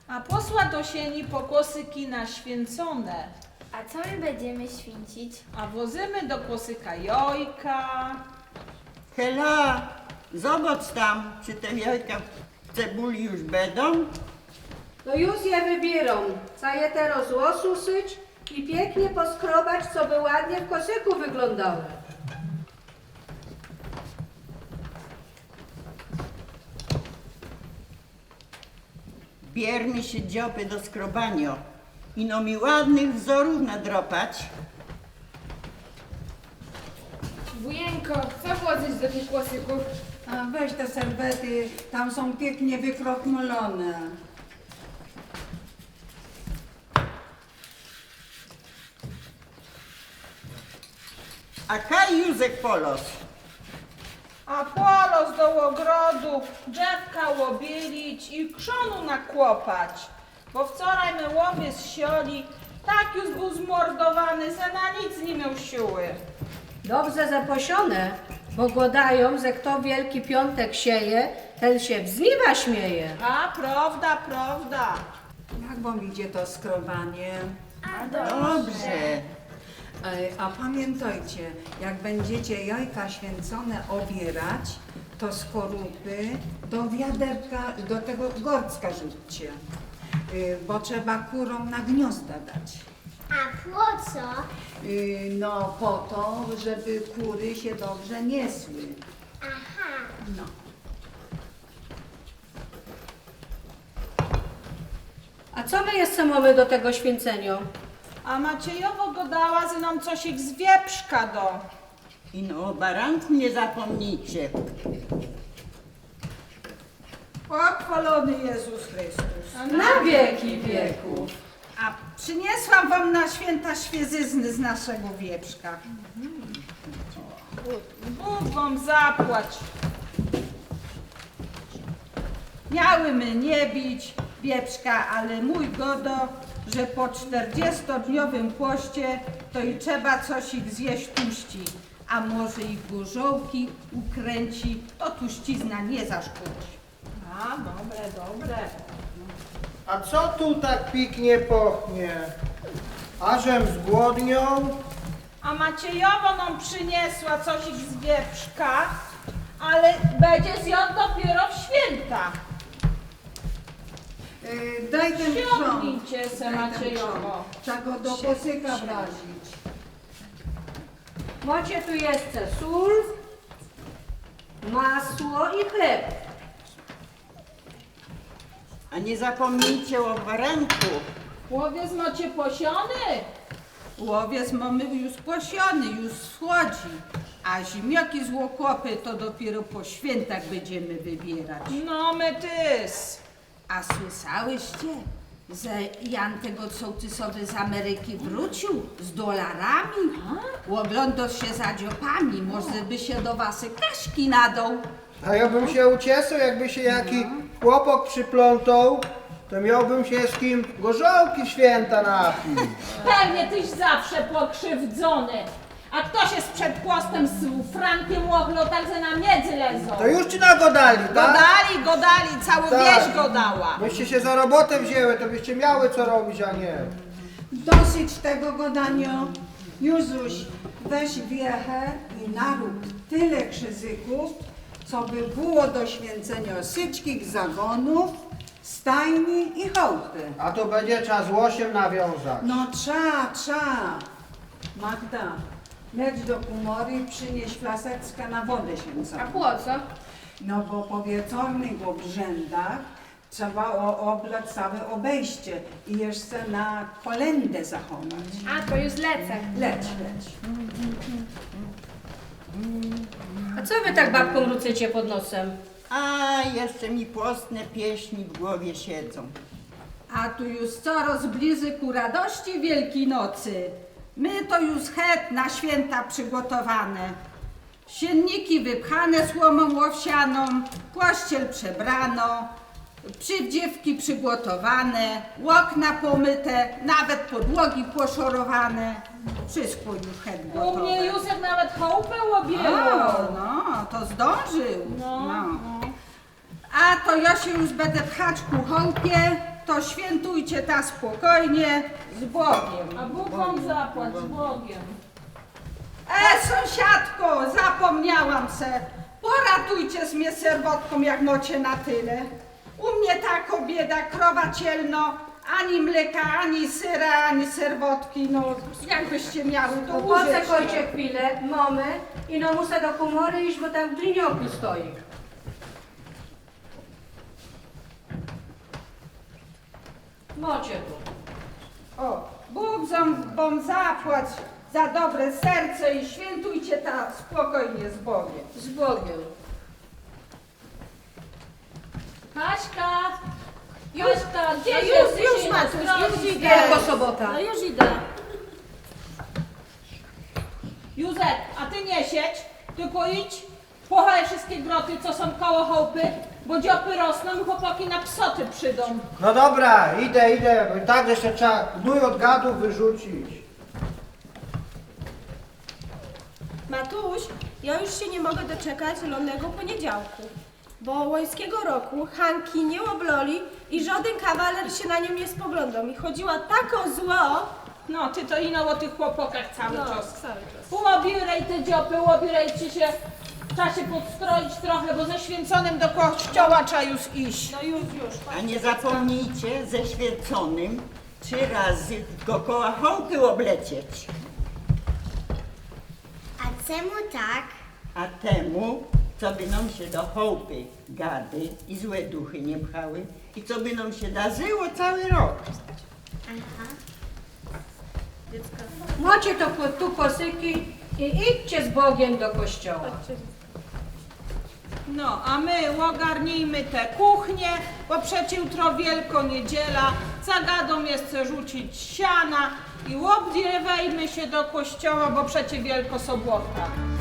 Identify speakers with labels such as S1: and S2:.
S1: A posła do sieni pokłosyki naświęcone.
S2: A co my będziemy święcić?
S1: A wozymy do kłosyka jojka.
S3: Hela, zobacz tam, czy te jajka w cebuli już będą?
S4: No już je wybierą. Trzeba je teraz osuszyć i pięknie poskrobać, co by ładnie w koszyku wyglądało.
S3: Biermy się dziopy do skrobania. Ino mi ładnych wzorów nadropać.
S5: Wujenko, co włożyć do tych kłosyków?
S6: A weź te serwety, tam są pięknie wykrochmolone.
S3: A kaj Józek Polos.
S1: A polos do ogrodu, drzewka łobielić i krzonu nakłopać. Bo wczoraj my łowie z sioli, tak już był zmordowany, że na nic nie miał siły.
S4: Dobrze zaposione, bo głodają, że kto Wielki Piątek sieje, ten się w żniwa śmieje.
S1: A, prawda, prawda.
S6: Jak wam idzie to skrobanie?
S3: Dobrze.
S6: A pamiętajcie, jak będziecie jajka święcone obierać, to skorupy do wiaderka, do tego gorcka rzućcie, bo trzeba kurom na gniazda dać.
S2: A po co?
S6: No po to, żeby kury się dobrze niesły.
S2: Aha.
S6: No.
S4: A co my jeszcze mamy do tego święcenia?
S1: A Maciejowo go dała, że nam coś ich z wieprzka do.
S3: Ino o baranku nie zapomnijcie.
S7: Pochwalony Jezus Chrystus.
S4: Na wieki wieków.
S7: A przyniosłam wam na święta świeżyzny z naszego wieprzka.
S1: Bóg wam zapłać.
S7: Miały my nie bić wieprzka, ale mój godo, że po 40-dniowym poście to i trzeba coś ich zjeść tuści. A może ich gorzołki ukręci, to tuścizna nie zaszkodzi.
S1: A, dobre, dobre.
S8: A co tu tak piknie pochnie? Ażem zgłodnią?
S1: A Maciejowo nam przyniesła coś ich z wieprzka, ale będzie zjadł dopiero w święta.
S6: Daj ten krząg.
S1: Ciągnijcie se Maciejowo.
S6: Trzeba go do kosyka wrazić.
S4: Macie tu jeszcze sól, masło i chleb.
S3: A nie zapomnijcie o baranku.
S1: Łowiec macie posiony?
S7: Łowiec mamy już posiony, już schodzi. A ziemniaki z łokopy to dopiero po świętach będziemy wybierać.
S1: No my tys.
S7: A słyszałyście, że Jan tego sołtysowy z Ameryki wrócił z dolarami? Oglądał się za dziopami, może by się do was Kaśki nadał.
S8: A ja bym się ucieszył, jakby się jaki chłopok przyplątał, to miałbym się z kim gorzołki święta napić.
S1: Pewnie tyś zawsze pokrzywdzony. A ktoś jest przed płostem z Frankiem łoglą, tak że na miedzy lezą.
S8: To już ci nagodali, tak?
S7: Godali, całą
S8: Tak.
S7: wieś go dała.
S8: Byście się za robotę wzięły, to byście miały co robić, a nie.
S6: Dosyć tego gadania. Józuś, weź wiechę i narób tyle krzyżyków, co by było do święcenia syćkich zagonów, stajni i chałupy.
S8: A to będzie trzeba z łosiem nawiązać.
S6: No trzeba. Magda, leć do komory i przynieś flaseczkę na wodę święconą.
S5: A po co?
S6: No bo po wieczornych obrzędach trzeba oblać całe obejście i jeszcze na kolędę zachować.
S5: A, to już lecę.
S6: Leć.
S4: A co wy tak babką rucycie pod nosem?
S3: A jeszcze mi postne pieśni w głowie siedzą.
S7: A tu już coraz blizy ku radości Wielkiej Nocy. My to już het na święta przygotowane. Sienniki wypchane słomą owsianą, pościel przebrano, przywdziewki przygotowane, okna pomyte, nawet podłogi poszorowane. Wszystko już het
S1: U
S7: gotowe.
S1: mnie Józef nawet chałupę łobiło.
S7: No, to zdążył.
S1: No.
S7: A to ja się już będę pchać ku chałupie, to świętujcie ta spokojnie, z Bogiem.
S1: A Bóg wam zapłać z Bogiem.
S7: Sąsiadko, zapomniałam se. Poratujcie z mnie serwotką, jak mocie na tyle. U mnie ta bieda, krowa cielno, ani mleka, ani syra, ani serwotki, no jakbyście miały to
S4: To
S7: użyć.
S4: poczekajcie chwilę, mamy, i no muszę do komory iść, bo tam w drinioku stoi. Macie tu.
S7: O, Bóg wam zapłać za dobre serce i świętujcie ta spokojnie z Bogiem.
S4: Z Bogiem.
S1: Kaśka! Kaśka, gdzie
S2: No
S1: jesteś?
S2: już, Matuś, już idę.
S4: Tylko sobota.
S2: No już idę.
S1: Józek, a ty nie siedź, tylko idź, pochowaj wszystkie groty, co są koło chałupy, bo dziopy rosną i chłopaki na psoty przyjdą.
S8: No dobra, idę, bo i tak jeszcze trzeba gnój od gadów wyrzucić.
S9: Matuś, ja już się nie mogę doczekać zielonego poniedziałku, bo łońskiego roku Hanki nie obloli i żaden kawaler się na nią nie spoglądał. Mi chodziła tako zło.
S1: No, ty to ino o tych chłopokach cały
S9: No,
S1: czas.
S9: cały czas.
S1: Uobieraj te dziopy, uobierajcie się. Trzeba się podstroić trochę, bo ze święconym do kościoła trzeba już iść.
S9: No już.
S3: A nie zapomnijcie ze świeconym 3 razy dookoła chałupy oblecieć.
S2: A czemu tak?
S3: A temu, co by nam się do chałupy gady i złe duchy nie pchały i co by nam się darzyło cały rok.
S2: Aha.
S4: Macie to tu kosyki i idźcie z Bogiem do kościoła.
S1: No, a my ogarnijmy tę kuchnię, bo przecież jutro Wielko Niedziela, za gadą jest co rzucić siana i obdziewajmy się do kościoła, bo przecież Wielko Sobota.